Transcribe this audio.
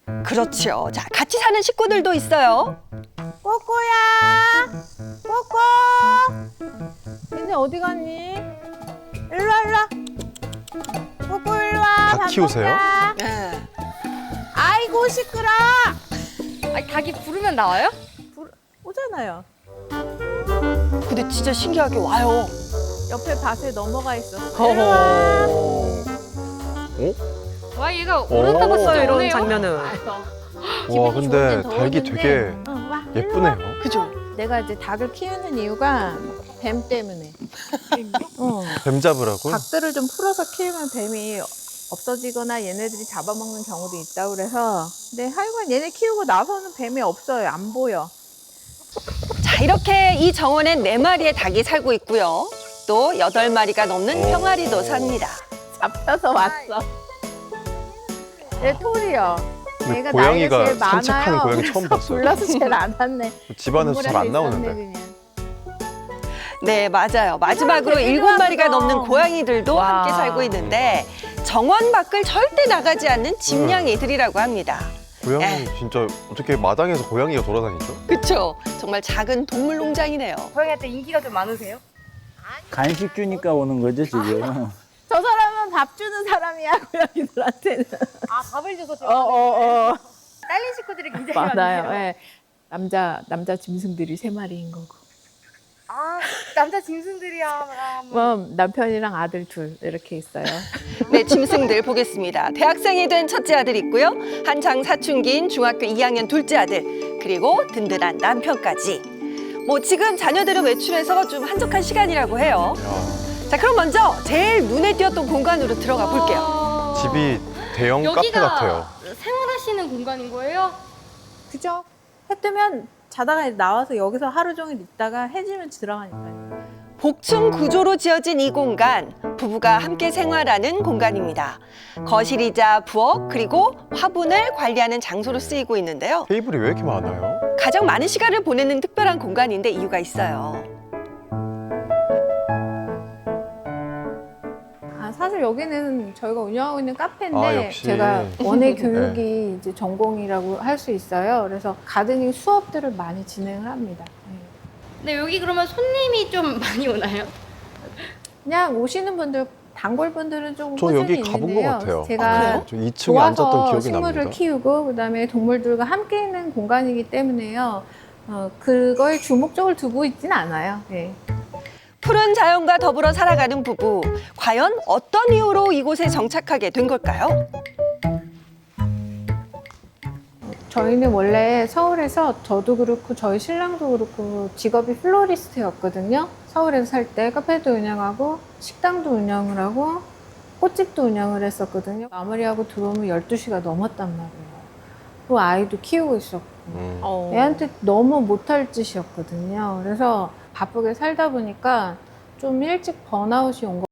그렇죠. 자, 같이 사는 식구들도 있어요. 꼬꼬야, 꼬꼬. 얘네 어디 갔니? 일로 와, 일로 와. 꼬꼬 일로 와. 다 밥 키우세요? 먹자. 네. 아이고 시끄러. 아니, 닭이 부르면 나와요? 오잖아요. 근데 진짜 신기하게 와요. 옆에 밭에 넘어가 있었어. 일로 와. 와, 얘가 오른다고 진짜 이런 오네요. 장면은. 와, 근데 닭이 되게 응, 와. 예쁘네요. 그죠? 내가 이제 닭을 키우는 이유가 뱀 때문에. 뱀 잡으라고? 닭들을 좀 풀어서 키우면 뱀이 없어지거나 얘네들이 잡아먹는 경우도 있다고 그래서. 근데 하여간 얘네 키우고 나서는 뱀이 없어요. 안 보여. 자, 이렇게 이 정원엔 4마리의 닭이 살고 있고요. 또 8마리가 넘는 병아리도 삽니다. 잡혀서 왔어. 얘 톨이요. 근데 얘가 고양이가 나이가 제일 산책하는 많아요. 고양이 처음 봤어요. 불러서 제일 안 왔네. 집안에서 잘 안 동물원에 나오는데. 있었네, 그냥. 네, 맞아요. 마지막으로 되게 7마리가 좋았어. 넘는 고양이들도 와. 함께 살고 있는데 정원 밖을 절대 나가지 않는 집냥이들이라고 합니다. 고양이 진짜 어떻게 마당에서 고양이가 돌아다니죠? 그렇죠? 정말 작은 동물 농장이네요. 고양이한테 인기가 좀 많으세요? 간식 주니까 오는 거죠, 지금. 저 사람은 밥 주는 사람이야, 고양이들한테는. 아, 밥을 줘서 어. 딸린 식구들이 굉장히 많아요. 많네요. 예. 남자 짐승들이 3마리인 거고. 아, 남자 짐승들이야. 뭐 남편이랑 아들 둘 이렇게 있어요. 네, 짐승들 보겠습니다. 대학생이 된 첫째 아들 있고요. 한창 사춘기인 중학교 2학년 둘째 아들, 그리고 든든한 남편까지. 뭐 지금 자녀들은 외출해서 좀 한적한 시간이라고 해요. 자, 그럼 먼저 제일 눈에 띄었던 공간으로 들어가 볼게요. 집이 대형 카페 같아요. 생활하시는 공간인 거예요? 그죠? 해 뜨면 자다가 나와서 여기서 하루 종일 있다가 해지면 들어가니까요. 복층 구조로 지어진 이 공간, 부부가 함께 생활하는 공간입니다. 거실이자 부엌, 그리고 화분을 관리하는 장소로 쓰이고 있는데요. 테이블이 왜 이렇게 많아요? 가장 많은 시간을 보내는 특별한 공간인데 이유가 있어요. 사실 여기는 저희가 운영하고 있는 카페인데 아, 역시. 제가 원예 교육이 이제 전공이라고 할 수 있어요. 그래서 가드닝 수업들을 많이 진행을 합니다. 네. 근데 여기 그러면 손님이 좀 많이 오나요? 그냥 오시는 분들, 단골 분들은 좀 저 꾸준히 여기 가본 것 있는데요. 같아요. 제가 저 2층에 앉았던 좋아서 기억이 식물을 납니다. 키우고 그다음에 동물들과 함께 있는 공간이기 때문에요. 그거에 주목적을 두고 있지는 않아요. 네. 푸른 자연과 더불어 살아가는 부부. 과연 어떤 이유로 이곳에 정착하게 된 걸까요? 저희는 원래 서울에서 저도 그렇고 저희 신랑도 그렇고 직업이 플로리스트였거든요. 서울에서 살 때 카페도 운영하고 식당도 운영을 하고 꽃집도 운영을 했었거든요. 마무리하고 들어오면 12시가 넘었단 말이에요. 또 아이도 키우고 있었고 애한테 너무 못할 짓이었거든요. 그래서 바쁘게 살다 보니까 좀 일찍 번아웃이 온 거.